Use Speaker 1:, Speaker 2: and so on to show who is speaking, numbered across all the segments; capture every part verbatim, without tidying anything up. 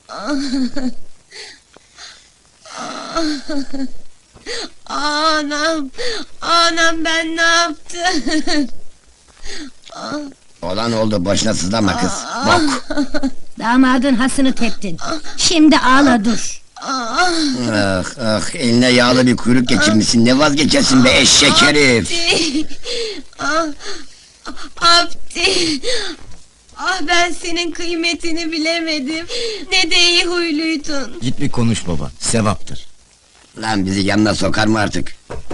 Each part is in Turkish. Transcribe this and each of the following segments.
Speaker 1: Anam, anam ben ne yaptım?
Speaker 2: Olan oldu, boşuna sızlama kız. Bok!
Speaker 3: Damadın hasını teptin. Şimdi ağla dur.
Speaker 2: Ah ah, eline yağlı bir kuyruk geçirmişsin, ne vazgeçersin be eşek herif!
Speaker 1: Abdi! Ah, Abdi! Ah, ben senin kıymetini bilemedim. Ne de iyi huyluydun.
Speaker 4: Git bir konuş baba, sevaptır.
Speaker 2: Lan bizi yanına sokar mı artık?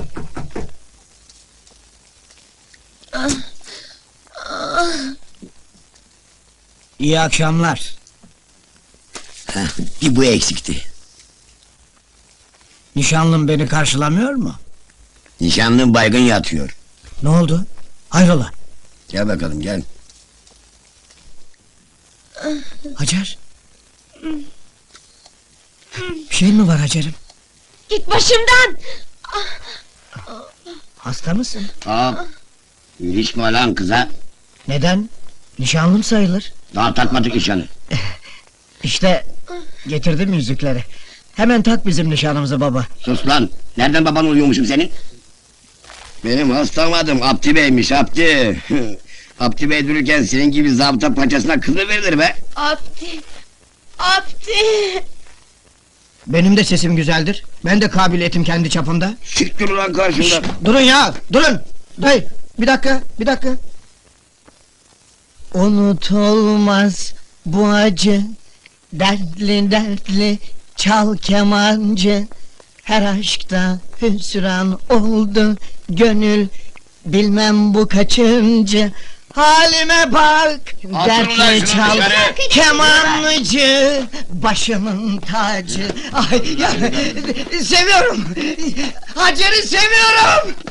Speaker 5: İyi akşamlar.
Speaker 2: Heh, bir bu eksikti.
Speaker 5: Nişanlım beni karşılamıyor mu?
Speaker 2: Nişanlın baygın yatıyor.
Speaker 5: Ne oldu? Hayrola?
Speaker 2: Gel bakalım, gel.
Speaker 5: Hacer? Bir şey mi var Hacer'im?
Speaker 1: Git başımdan!
Speaker 5: Hasta mısın?
Speaker 2: Aa, ilişme lan kıza.
Speaker 5: Neden? Nişanlım sayılır.
Speaker 2: Daha takmadık nişanı.
Speaker 5: İşte getirdim yüzükleri. Hemen tak bizim nişanımızı baba.
Speaker 2: Sus lan, nereden baban oluyormuşum senin? Benim hastam adım Abdi Bey'miş, Abdi. Abdi Bey dururken senin gibi zabıta paçasına kız mı verilir be?
Speaker 1: Abdi! Abdi!
Speaker 5: Benim de sesim güzeldir. Ben de kabiliyetim kendi çapımda.
Speaker 2: Siktir ulan karşımda.
Speaker 5: Durun ya, durun! Hey, bir dakika, bir dakika. Unutulmaz bu acı, dertli dertli çal kemancı. Her aşkta hüsran oldu gönül, bilmem bu kaçıncı. Halime bak,
Speaker 2: ulan
Speaker 5: dertli
Speaker 2: şunu
Speaker 5: çal
Speaker 2: dışarı.
Speaker 5: kemancı, başımın tacı. Ay ya, seviyorum, Hacer'i seviyorum.